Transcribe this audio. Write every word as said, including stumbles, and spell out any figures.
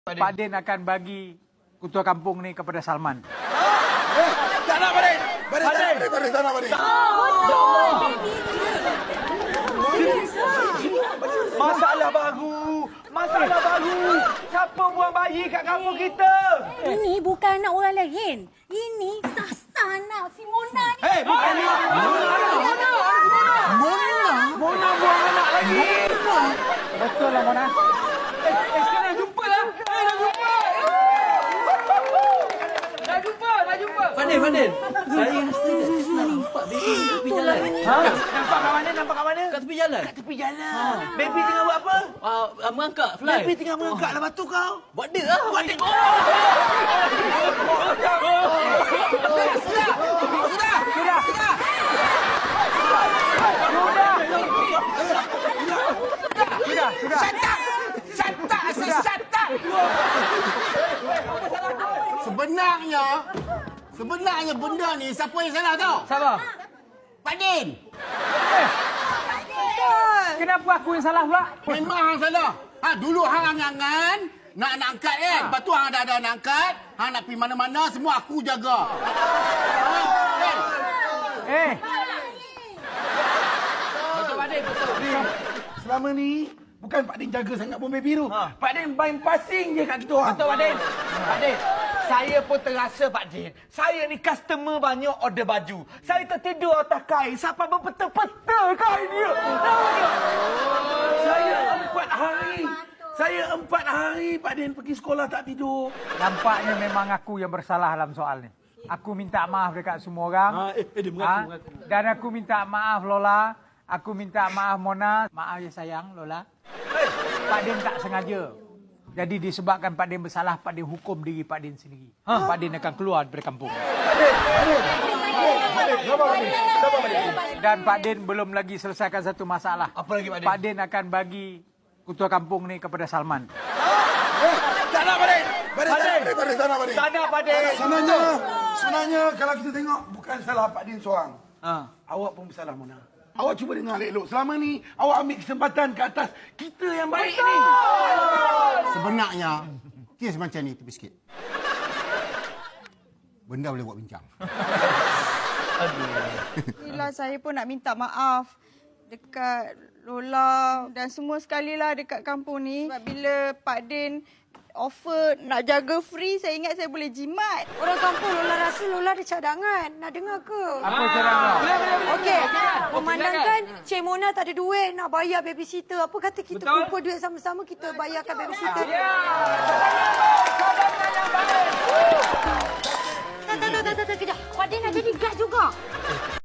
Pak Din akan bagi ketua kampung ni kepada Salman. Eh, tak nak Pak Din. Pak Din, tak nak Pak Din. Pak Din, tak nak Pak Din. Masalah baru. Masalah baru. Siapa buang bayi kat kampung kita? Ini bukan anak orang lain. Ini Sasa anak si Mona ni. Hei, bukan ni. Mona. Mona? Mona buang anak lagi. Betul lah Mona. Eh, eh, sekarang jumpa lah. Eh, dah jumpa. Dah jumpa, dah jumpa. Fadil, Fadil. Saya rasa nampak baby kat tepi jalan. Ha? Nampak kat mana? Nampak kat mana? Kat tepi jalan. Kat tepi jalan. Baby tengah buat apa? Ah, uh, mengangkat fly. Baby tengah mengangkat lah batu kau. Buat dia lah. Buat dia. Oh! Sudah, sudah. Shut up! Shut up! Sebenarnya, sebenarnya benda ni siapa yang salah tau? Siapa? Pak Din. Kenapa aku yang salah pula? Memang hang salah. Ha, dulu hang angan-angan nak nak angkat kan. Lepas tu hang dah ada nak angkat, hang nak pergi mana-mana semua aku jaga. Ha, kan? Eh, Betul, Pak Din. Betul. Selama ni bukan Pak Din jaga sangat pun baby tu. Ha. Pak Din main passing je kat kita orang. Betul, Pak Din. Pak Din, saya pun terasa, Pak Din. Saya ni customer banyak order baju. Saya tertidur atas kain sampai berpeta-peta kain dia. Tahu tak? Saya empat hari. Saya empat hari, Pak Din, pergi sekolah tak tidur. nampaknya memang aku yang bersalah dalam soal ni. Aku minta maaf dekat semua orang. Ah, eh, eh, dia mengaku, Ha? mengaku. Dan aku minta maaf Lola. Aku minta maaf Mona. Maaf ya sayang Lola. Pak Din tak sengaja. Jadi disebabkan Pak Din bersalah, Pak Din hukum diri Pak Din sendiri. Ha? Pak Din akan keluar daripada kampung. Dan Pak Din belum lagi selesaikan satu masalah. Apa lagi, Pak Din? Pak Din akan bagi ketua kampung ni kepada Salman. Eh, tak nak Pak Din. Pak Din, tak nak Pak Din. Tak nak Pak Din. Tak nak, Pak Din. Sebenarnya, sebenarnya kalau kita tengok bukan salah Pak Din seorang. Ha. Awak pun bersalah, Mona. Awak cuba dengar elok-elok. Selama ni, awak ambil kesempatan ke atas kita yang baik ni. Sebenarnya, kes macam ni tepi sikit. Benda boleh buat bincang. Inilah saya pun nak minta maaf dekat Lola dan semua sekali lah dekat kampung ni. Sebab bila Pak Din offer nak jaga free, saya ingat saya boleh jimat. Orang kampung Lola rasa Lola ada cadangan. Nak dengar ke? Apa cara kau? Okey, memandangkan Cik Mona tak ada duit nak bayar babysitter. Apa kata kita Betul. kumpul duit sama-sama, kita bayarkan babysitter? Tak, tak, tak, tak, tak, kejap. Pak Din nak jadi guard juga.